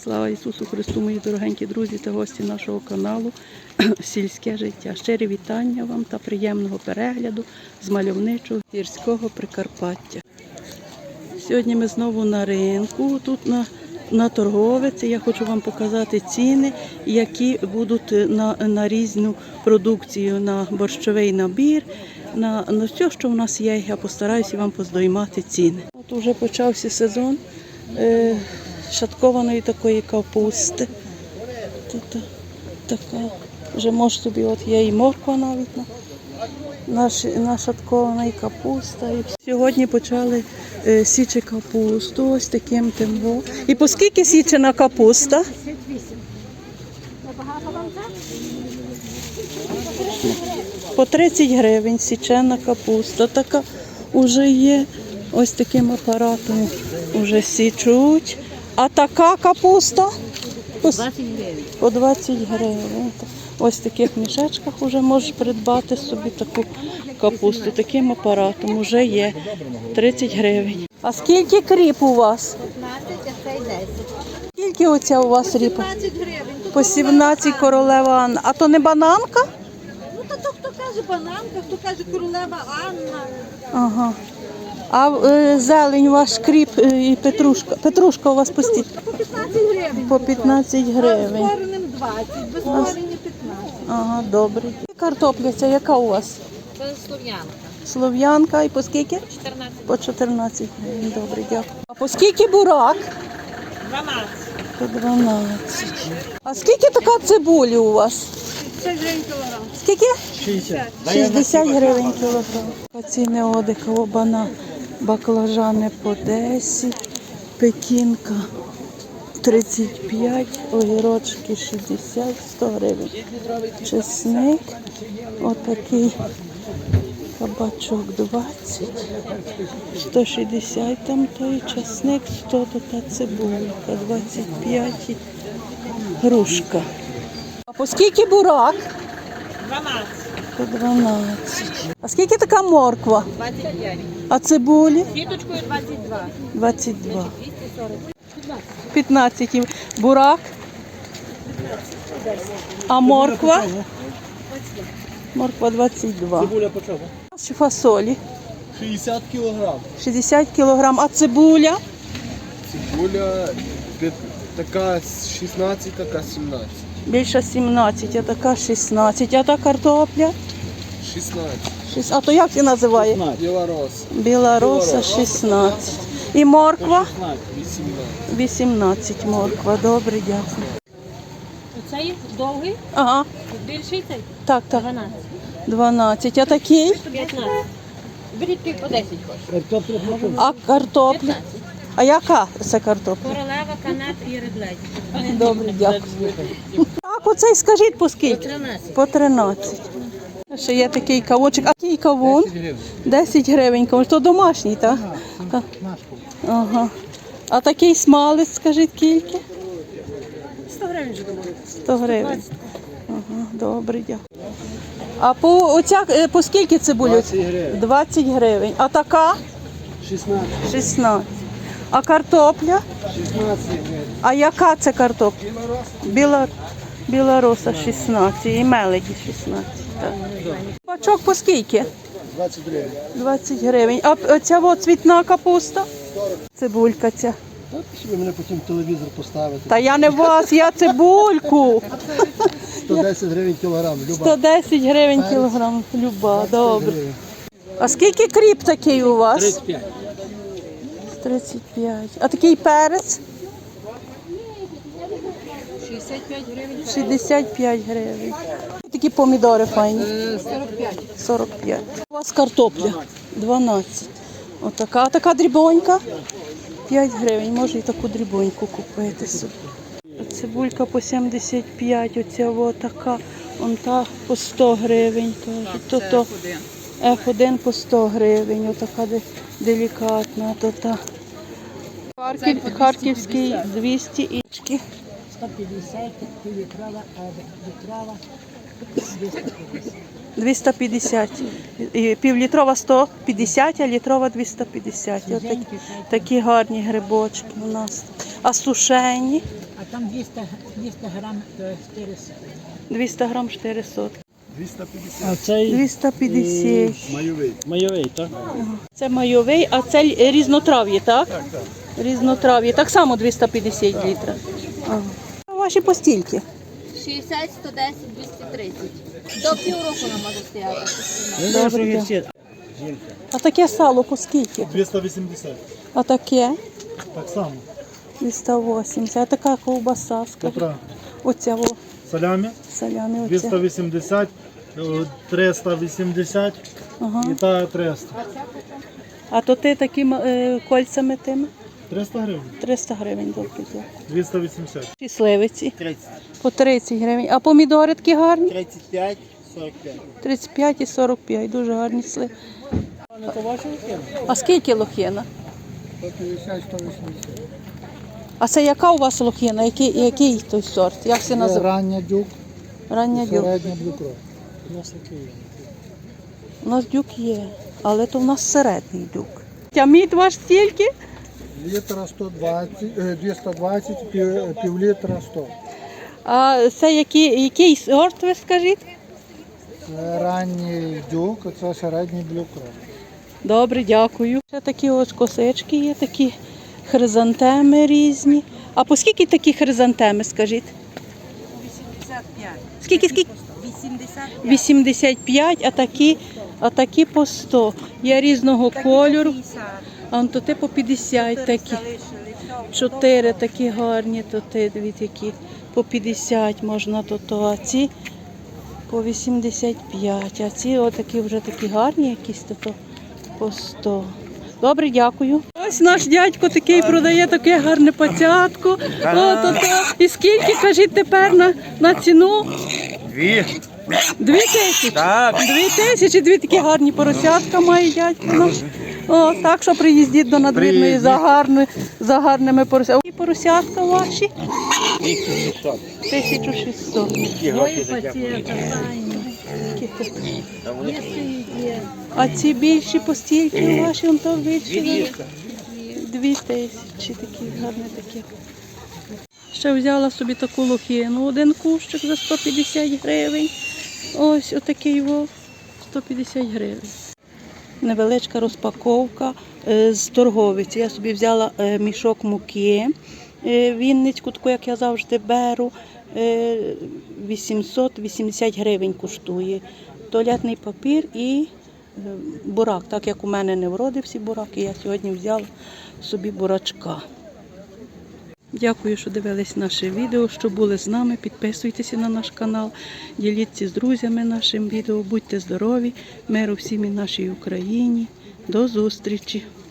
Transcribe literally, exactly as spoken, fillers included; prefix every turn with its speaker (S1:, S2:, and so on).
S1: Слава Ісусу Христу, мої дорогенькі друзі та гості нашого каналу «Сільське життя». Щирі вітання вам та приємного перегляду з мальовничого гірського Прикарпаття. Сьогодні ми знову на ринку, тут на, на торговиці. Я хочу вам показати ціни, які будуть на, на різну продукцію, на борщовий набір, на, на все, що в нас є. Я постараюся вам поздоймати ціни. От вже почався сезон е, шаткованої такої капусти. Тут така, вже може собі, от є і морква навіть на, на, на шаткована, і капуста. І сьогодні почали е, січі капусту, ось таким тембо. І по скільки січена капуста? По тридцять гривень січена капуста. Така вже є, ось таким апаратом вже січуть. А така капуста? По двадцять гривень. По двадцять гривень. Ось в таких мішечках вже можеш придбати собі таку капусту. Таким апаратом вже є тридцять гривень. А скільки кріп у вас?
S2: п'ятнадцять, а цей десять.
S1: Скільки оця у вас ріпа?
S2: сімнадцять гривень.
S1: По сімнадцять королева Анна. А то не бананка?
S2: Ну, то, то хто каже бананка, хто каже королева Анна.
S1: Ага. А е, зелень ваш кріп е, і петрушка. Петрушка у вас по стільки?
S2: По п'ятнадцять гривень.
S1: По п'ятнадцять
S2: А
S1: гривень.
S2: з коренем двадцять, без корення п'ятнадцять.
S1: Ага, добре. Картопля ця яка у вас?
S2: Це слов'янка.
S1: Слов'янка і по скільки?
S2: чотирнадцять.
S1: По чотирнадцять гривень. Добре, дякую. А по скільки бурак?
S2: дванадцять.
S1: По дванадцять. А скільки така цибулі у вас?
S2: шістдесят гривень кілограм.
S1: Скільки?
S2: шістдесят.
S1: шістдесят гривень кілограм. Ціни одикова бана, баклажани по десять, пекінка тридцять п'ять, огірочки шістдесят, сто гривень. Чесник, отакий кабачок двадцять, сто шістдесят там той чесник, сто то та цибулька, двадцять п'ять, грушка. А по скільки бурак?
S2: дванадцять.
S1: По дванадцять. А скільки така морква?
S2: двадцять п'ять.
S1: А цибулі?
S2: Сіточкою двадцять два.
S1: двадцять два.
S2: двісті сорок.
S1: п'ятнадцять. Бурак? А морква? Морква двадцять два.
S3: Цибуля по чому?
S1: Фасолі?
S3: шістдесят кілограм.
S1: шістдесят кілограм. А цибуля?
S3: Цибуля п'ят- така шістнадцять, така сімнадцять.
S1: Більше сімнадцять, а така шістнадцять. А та картопля?
S3: шістнадцять.
S1: Шість- А то як це називає?
S3: Білорос.
S1: Біла роса шістнадцять. І морква?
S3: вісімнадцять.
S1: вісімнадцять морква. Добре, дякую.
S2: Оцей довгий,
S1: Ага,
S2: більший цей.
S1: так, так.
S2: дванадцять.
S1: дванадцять. А такий?
S2: п'ятнадцять. Беріть пів по десять хочеш.
S1: А картопля? А яка це картопля?
S2: Королева, канат і редлець.
S1: Добре, дякую. Так, оцей скажіть по скільки?
S2: тринадцять.
S1: По тринадцять. Ще є такий кавунчик. А який кавун?
S3: гривень.
S1: десять гривень. Кавун. То домашній, так? Так. Ага. А такий смалець, скажіть, скільки?
S2: сто гривень вже думаю.
S1: сто гривень. Ага, добре, дякую. А по, оця, е, по скільки цибулю?
S3: двадцять гривень.
S1: двадцять гривень. А така?
S3: шістнадцять.
S1: шістнадцять. А картопля?
S3: шістнадцять гривень.
S1: А яка це картопля? Біла, білороса шістнадцять і меледі шістнадцять. Так. Бачок по скільки?
S3: двадцять гривень.
S1: двадцять гривень. А оця от цвітна капуста? Цибулька ця.
S3: Ви мене потім телевізор поставите.
S1: Та я не вас, я цибульку.
S3: сто десять гривень кілограм.
S1: сто десять гривень кілограм. Люба, добре. А скільки кріп такий у вас?
S3: тридцять п'ять.
S1: тридцять п'ять. А такий перець?
S2: шістдесят п'ять гривень.
S1: шістдесят п'ять гривень. Такі помідори файні.
S2: сорок п'ять.
S1: сорок п'ять. У вас картопля? дванадцять. Отака. А така дрібонька? п'ять гривень. Може і таку дрібоньку купити собі. Цибулька по сімдесят п'ять. Оця от така. Он та по сто гривень. Кажуть. То, то еф один по сто гривень. Отака де- делікатна. То та. Харків, Харківський двісті і
S2: сто п'ятдесят, півлітрова, літрова,
S1: двісті п'ятдесят. І півлітрова сто п'ятдесят, а літрова двісті п'ятдесят. Отакі, такі гарні грибочки у нас. А сушені?
S2: а Там двісті, двісті грам, то чотири сотні.
S1: двісті грам чотири сотки.
S3: двісті п'ятдесят.
S4: А цей
S1: двісті п'ятдесят.
S3: Майовий.
S4: майовий, так?
S1: Це майовий, а це л- різнотрав'я, так?
S3: Так, так.
S1: Різнотрав'я. Так само двісті п'ятдесят літрів. Ага. А ваші постільки?
S5: шістдесят, сто десять, двісті тридцять. До півроку нам може стояти.
S1: Добре. А таке сало по скільки?
S6: двісті вісімдесят.
S1: А таке?
S6: Так само.
S1: двісті вісімдесят. А така ковбаса, скажіть?
S6: Котра?
S1: Оця о,
S6: Салямі
S1: салями
S6: двісті
S1: оця.
S6: вісімдесят, е, триста вісімдесят
S1: Ага.
S6: і та триста.
S1: А то ти такими е, кольцями тими?
S6: триста гривень.
S1: триста гривень добре. добре.
S6: двісті вісімдесят.
S1: І сливиці?
S3: тридцять.
S1: По тридцять гривень. А помідори такі гарні?
S3: тридцять п'ять, сорок п'ять.
S1: тридцять п'ять і сорок п'ять. Дуже гарні сливи. А скільки лохина?
S3: сто п'ятдесят, сто вісімдесят.
S1: А це яка у вас лохина? Який, який той сорт? Як це називається?
S3: Рання дюк,
S1: Рання дюк.
S3: середня блюкро.
S1: У нас дюк є, але то в нас середній дюк. А мід ваш стільки?
S3: Літра сто двадцять, е, двісті двадцять, пів, пів літра сто.
S1: А це який, який сорт, ви скажіть?
S3: Це ранній дюк, це середній блюкро.
S1: Добре, дякую. Ще такі ось косички є, такі хризантеми різні. А по скільки такі хризантеми, скажіть?
S2: вісімдесят п'ять.
S1: Скільки, скільки?
S2: вісімдесят п'ять.
S1: вісімдесят п'ять, а такі, а такі по сто. Є різного кольору. А он то ти по п'ятдесят такі. Чотири такі гарні, то ти, дивіться, які по п'ятдесят можна, то то, а ці по вісімдесят п'ять, а ці отакі вже такі гарні якісь, то, то по сто. Добре, дякую. Ось наш дядько такий продає таке гарне пацятко. О, то, то. І скільки, кажіть, тепер на, на ціну?
S7: Дві.
S1: Дві тисячі?
S7: Так.
S1: Дві тисячі, дві такі гарні поросятка має дядько наш. О, так що приїздіть до надвірної за, гарни, за гарними поросятками. І поросятка ваші? тисяча шістсот.
S2: Ой, пацієнта, файні.
S1: А ці більші постільки ваші, он то більші? Дві тисячі, такі гарні такі. Ще взяла собі таку лохину, один кущик за сто п'ятдесят гривень. Ось отакий вов, сто п'ятдесят гривень. Невеличка розпаковка е, з торговиці. Я собі взяла е, мішок муки, е, вінницьку, таку, як я завжди беру, е, вісімсот вісімдесят гривень коштує. Туалетний папір і е, бурак. Так як у мене не вродився бурак, і я сьогодні взяла собі бурачка. Дякую, що дивились наше відео, що були з нами. Підписуйтеся на наш канал, діліться з друзями нашим відео. Будьте здорові, миру всім і нашій Україні. До зустрічі!